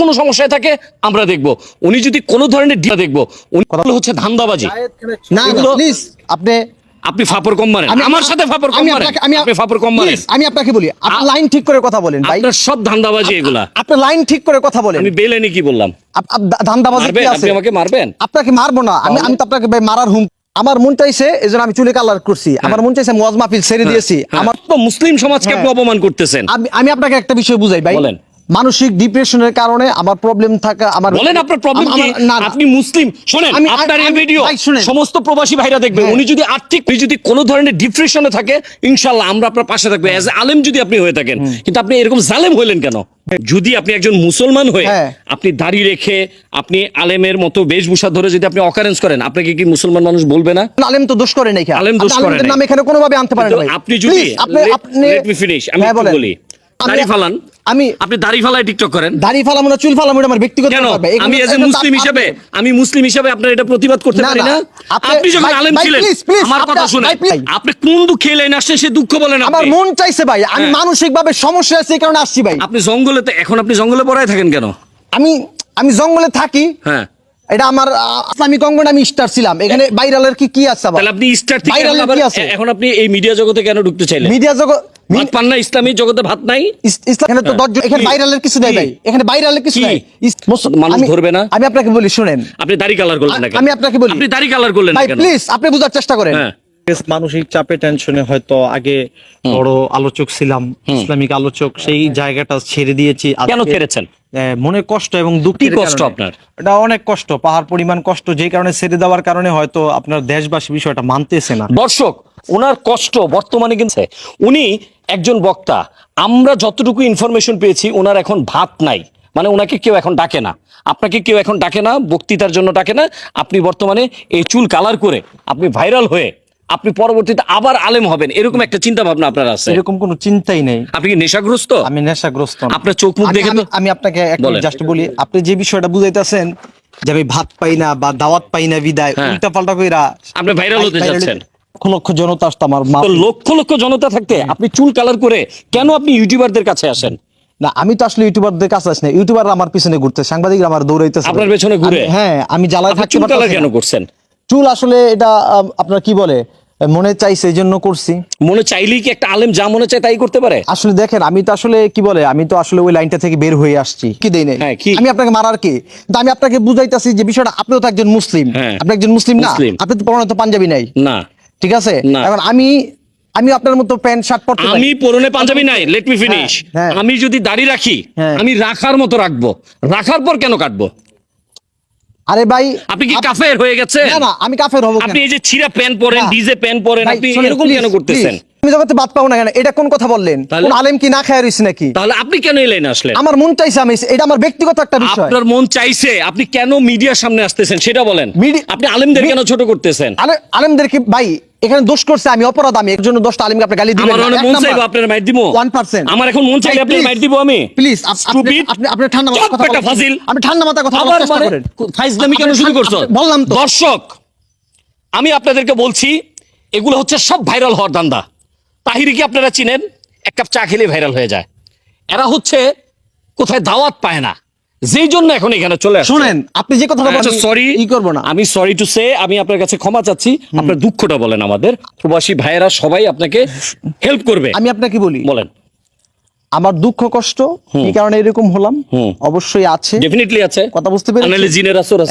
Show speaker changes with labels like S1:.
S1: কোনো সমস্যায় থাকে আমরা দেখব, উনি যদি কোনো ধরনের দেখব, উনি কথা হচ্ছে ধান্দাবাজি।
S2: না প্লিজ
S1: আপনি ফাপড় কম মারেন, আমার সাথে ফাপড় কম মারেন, আপনি ফাপড় কম মারেন।
S2: আমি আপনাকে বলি, আপনি লাইন ঠিক করে কথা বলেন ভাই।
S1: আপনার সব ধান্দাবাজি এগুলা।
S2: আপনি লাইন ঠিক করে কথা বলেন।
S1: আমি বেলেনি কি বললাম?
S2: ধান্দাবাজি কি আছে?
S1: আপনি আমাকে মারবেন?
S2: আপনাকে মারবো না, আমি তো আপনাকে ভাই মারার হুম। আমার মন চাইছে এজন্য আমি চুলে কালার করছি, আমার মন চাইছে ওয়াজ মাহফিল ছেড়ে দিয়েছি। আমার
S1: তো মুসলিম সমাজকে আপনি অপমান করতেছেন।
S2: আমি আপনাকে একটা বিষয় বুঝাই ভাই।
S1: বলেন।
S2: মানসিক ডিপ্রেশনের কারণে আমার প্রবলেম থাকা, আমার
S1: বলেন আপনার প্রবলেম কি? আপনি মুসলিম, শুনেন আপনার এই ভিডিও সমস্ত প্রবাসী ভাইরা দেখবে। উনি যদি আর্থিক যদি কোনো ধরনের ডিপ্রেশনে থাকে, ইনশাআল্লাহ আমরা আপনার পাশে থাকবো এজ আলেম যদি আপনি হয়ে থাকেন। কিন্তু আপনি এরকম জালেম হইলেন কেন? যদি আপনি একজন মুসলমান হয়ে আপনি দাড়ি রেখে আপনি আলেমের মতো বেশভূষা ধরে যদি আপনি অকারেন্স করেন, আপনাকে কি মুসলমান মানুষ বলবে না?
S2: আলেম তো দোষ করে নাই,
S1: আলেম দোষ করে নাই,
S2: নাম এখানে কোনোভাবে আনতে পারেন না।
S1: আপনি যদি লেট মি ফিনিশ, আমি বলি দাড়ি ফালান, আপনি দাড়ি ফালায় টিকটক করেন।
S2: দাড়ি ফালাম না, চুল ফালাম, আমার ব্যক্তিগত ব্যাপার।
S1: আমি এজ এ মুসলিম হিসেবে আপনার এটা প্রতিবাদ করতে পারি না? আপনি যখন আলেম ছিলেন, আমার কথা শুনে আপনি কোন দুঃখে লাইন আসছেন সে দুঃখ বলেন।
S2: আমার মন চাইছে ভাই, আমি মানসিকভাবে সমস্যা আছে এই কারণে আসছি ভাই।
S1: আপনি জঙ্গলে, এখন আপনি জঙ্গলে পড়ায় থাকেন কেন?
S2: আমি জঙ্গলে থাকি,
S1: হ্যাঁ
S2: এটা আমার ইসলামিক অঙ্গনে আমি স্টার ছিলাম। এখানে ভাইরালের কি আছে?
S1: তাহলে আপনি স্টার থেকে এখন আপনি এই মিডিয়া জগতে কেন ঢুকতে চাইলেন?
S2: মিডিয়া জগৎ
S1: ভাত পান না? ইসলামী জগতে ভাত নাই?
S2: এখানে তো 10 জন, এখানে ভাইরালের কিছু নাই ভাই, এখানে ভাইরালের কিছু নাই।
S1: মানুষ ধরবে না?
S2: আমি আপনাকে বলি শুনেন,
S1: আপনি দাড়ি কালার করলেন না কেন?
S2: আমি আপনাকে বলি,
S1: আপনি দাড়ি কালার করলেন না
S2: ভাই
S1: কেন?
S2: প্লিজ আপনি বোঝার চেষ্টা করেন।
S3: মানসিক চাপে টেনশনে হয়তো আগে বড় আলোচক ছিলাম, ইসলামিক আলোচক, সেই জায়গাটা ছেড়ে দিয়েছি।
S1: কেন ছেড়েছেন?
S3: মনে কষ্ট এবং দুঃখের
S1: কষ্ট
S3: কারণে।
S1: আপনার
S3: এটা অনেক কষ্ট, পাহাড় পরিমাণ কষ্ট, যেই কারণে ছেড়ে দেওয়ার কারণে হয়তো আপনার দেশবাসী বিষয়টা মানতেছে না।
S1: দর্শক, ওনার কষ্ট বর্তমানে কিন্তু উনি একজন বক্তা, আমরা যতটুকু ইনফরমেশন পেয়েছি ওনার এখন ভাত নাই, মানে ওনাকে কেউ এখন ডাকে না, আপনাকে কেউ এখন ডাকে না, বক্তৃতার জন্য ডাকে না। আপনি বর্তমানে এই চুল কালার করে আপনি ভাইরাল হয়ে আপনি পরবর্তীতে আবার আলেম হবেন, এরকম একটা চিন্তা ভাবনা আপনার আছে?
S3: এরকম কোনো চিন্তাই নেই।
S1: আপনি কি নেশাগ্রস্ত?
S3: আমি নেশাগ্রস্ত না।
S1: আপনার চোখ মুখ দেখে
S3: আমি আপনাকে জাস্ট বলি, আপনি যে বিষয়টা বুঝাইতেছেন যে আমি ভাত পাই না বা দাওয়াত পাই না বিদায় উল্টা পাল্টা কইরা
S1: আপনি ভাইরাল হতে যাচ্ছেন।
S3: লক্ষ লক্ষ জনতা আসতো আমার,
S1: লক্ষ লক্ষ জনতা থাকতে আপনি চুল কালার করে কেন আপনি ইউটিউবারদের কাছে আসেন?
S2: না আমি তো আসলে ইউটিউবারদের কাছে আসি না, ইউটিউবাররা আমার পিছনে ঘুরতে, সাংবাদিকরা আমার দৌড়াইতেছে
S1: আপনার পেছনে ঘুরে।
S2: হ্যাঁ আমি জ্বালায় থাকতে
S1: চুল কালার কেন করছেন?
S2: চুল আসলে এটা আপনার কি বলে, মনে চাইছে এই জন্য করছি।
S1: মনে চাইলেই কি একটা আলেম যা মনে চায় তাই করতে পারে?
S2: আসলে দেখেন, আমি তো আসলে কি বলে, আমি তো আসলে ওই লাইনটা থেকে বের হয়ে আসছি। কি দেই নাই আমি আপনাকে মারার কি? কিন্তু আমি আপনাকে বুঝাইতাছি যে বিষয়টা, আপনিও তো একজন মুসলিম, আপনি একজন মুসলিম না? আপনি তো পরনে তো পাঞ্জাবি নাই
S1: না,
S2: ঠিক আছে? এখন আমি আপনার মতো প্যান্ট শার্ট পরতে পারি,
S1: আমি পরনে পাঞ্জাবি নাই। Let me finish. আমি যদি দাড়ি রাখি, আমি রাখার মতো রাখবো, রাখার পর কেন কাটবো?
S2: আরে ভাই
S1: আপনি কি কাফের হয়ে গেছেন?
S2: না না, আমি কাফের হব কেন?
S1: আপনি এই যে ছিঁড়া প্যান্ট পরেন, ডিজে প্যান্ট পরেন, আপনি এরকম কেন করতেছেন?
S2: আমি জগতে বাদ পাবো না কেন? এটা কোন কথা বললেন? কোন আলেম কি না খায় রইছে নাকি?
S1: তাহলে আপনি কেন এই লাইনে আসলেন?
S2: আমার মন চাইছে, আমি এটা আমার ব্যক্তিগত একটা বিষয়।
S1: আপনার মন চাইছে, আপনি কেন মিডিয়ার সামনে আসতেছেন সেটা বলেন। আপনি আলেমদের কেন ছোট করতেছেন?
S2: আলেমদেরকে ভাই এখানে দোষ করছে, আমি অপরাধ, আমি একজন 10টা আলেমকে আপনি গালি দিবেন না।
S1: আমার মন চাইবে আপনার মাইর দিব
S2: 1%।
S1: আমার এখন মন চাইবে আপনার মাইর দিব আমি।
S2: প্লিজ আপনি ঠান্ডা মাথায় কথা বলেন।
S1: ফাজিল,
S2: আপনি ঠান্ডা মাথায় কথা বলার চেষ্টা করেন।
S1: ফাইজলামি কেন শুরু করছো?
S2: বললাম তো
S1: দর্শক, আমি আপনাদেরকে বলছি এগুলো হচ্ছে সব ভাইরাল হওয়ার ধান্দা। তাহিরি কি আপনারা চিনেন? এক কাপ চা খেলে ভাইরাল হয়ে যায়। এরা হচ্ছে কোথায় দাওয়াত পায় না, যেই জন্য এখন এখানে চলে আসে।
S2: শুনেন, আপনি যে কথাটা বলেন,
S1: সরি
S2: ই করব না,
S1: আমি সরি টু সে, আমি আপনার কাছে ক্ষমা চাচ্ছি। আপনার দুঃখটা বলেন, আমাদের প্রবাসী ভাইয়েরা সবাই আপনাকে হেল্প করবে।
S2: আমি আপনাকে বলি,
S1: বলেন।
S2: আমার দুঃখ কষ্ট এই কারণে এরকম হলাম, অবশ্যই আছে,
S1: ডেফিনেটলি আছে,
S2: কথা বুঝতে পেরেছি।
S1: জিনের আসর আছে।